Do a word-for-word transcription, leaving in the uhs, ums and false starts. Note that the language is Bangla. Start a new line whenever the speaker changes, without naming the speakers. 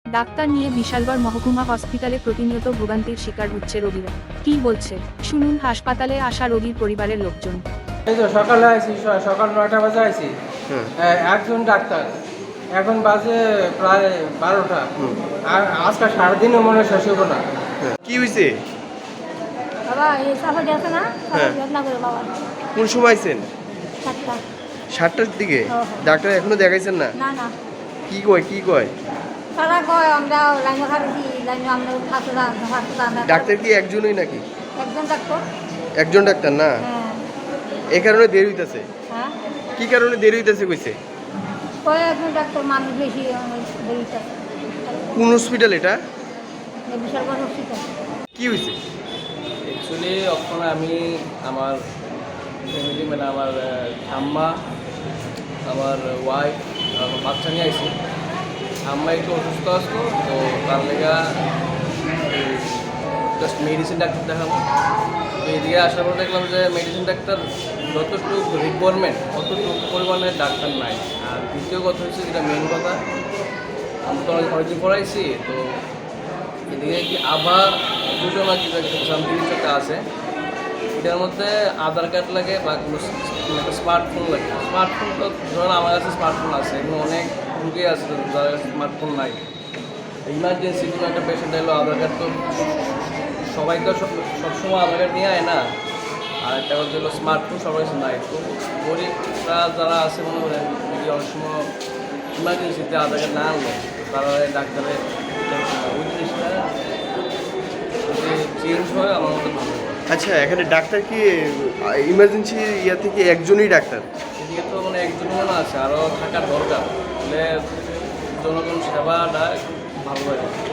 ডাক্তার নিয়ে বিশালগড় মহকুমা হসপিটালে প্রতিনিয়ত ভোগান্তির শিকার হচ্ছে রোগীরা। কি বলছে শুনুন হাসপাতালে আসা রোগীর পরিবারের লোকজন।
এই তো সকালে আইছি, স- সকাল নয়টা বাজে আইছি।
হুম।
এ- একজন ডাক্তার, এখন বাজে প্রায় বারোটা। আর আজকে সারাদিনও মনে হয় শেষ হবো না।
কি হয়েছে?
বাবা এই সাফা গেছে না
হ্যাঁ।
যত্ন করে বাবা
কোন সময় আইছেন?
সাতটা
সাতটার দিকে?
হ্যাঁ, হ্যাঁ।
ডাক্তার এখনো দেখাইছেন না?
না না
কি কয় কি কয়?
তারা কয় আমরা লাইন খাচ্ছি লাইন আমরা হাসপাতাল হাসপাতাল
ডাক্তার কি একজনই নাকি?
একজন ডাক্তার
একজন ডাক্তার না?
হ্যাঁ
এই কারণে দেরি হইতাছে?
হ্যাঁ
কি কারণে দেরি হইতাছে কইছে?
কয় একজন ডাক্তার মানুষ বেশি বেরিয়েছে
কোন হসপিটাল এটা?
বিশাল বড় হসপিটাল
কি হয়েছে?
অ্যাকচুয়ালি ওখানে আমি আমার ফ্যামিলি মানে আমার আম্মা, আমার ওয়াইফ, আমার বাচ্চা নিয়ে আইছি। আম্মা একটু অসুস্থ আসতো, তো তার লেগা জাস্ট মেডিসিন ডাক্তার দেখাবো। তো এদিকে আসার পর দেখলাম যে মেডিসিন ডাক্তার যতটুকু রিকোয়ারমেন্ট অতটুকু পরিমাণে ডাক্তার নাই। আর দ্বিতীয় কথা হচ্ছে যেটা মেন কথা, আমি তো অনেক অনেকদিন পড়াইছি, তো এদিকে কি আবার দুটো না কিছু সামথিং কিছু একটা আছে। এটার মধ্যে আধার কার্ড লাগে বা কোনো একটা স্মার্টফোন লাগে। স্মার্টফোন তো ধরুন আমার কাছে স্মার্টফোন আছে, এখানে অনেক রুগী আছে যাদের কাছে স্মার্টফোন নাই। ইমার্জেন্সি কোনো একটা পেশেন্ট এলো, আধার কার্ড তো সবাই তো সব সবসময় আধার কার্ড নিয়ে আয় না। আর একটা কথা হলো স্মার্টফোন সবার কাছে নাই। তো গরিবরা যারা আছে মনে করেন যদি অনেক সময় ইমার্জেন্সিতে আধার কার্ড না আনলো, তারা ডাক্তারের ওই জিনিসটা যদি চেঞ্জ হয় আমার মতো ভালো হয়।
আচ্ছা, এখানে ডাক্তার কি ইমার্জেন্সি ইয়া থেকে একজনই ডাক্তার?
এদিকে তো মানে একজন মনে আছে, আরও থাকার দরকার, তাহলে জনগণ সেবাটা ভালো হয়।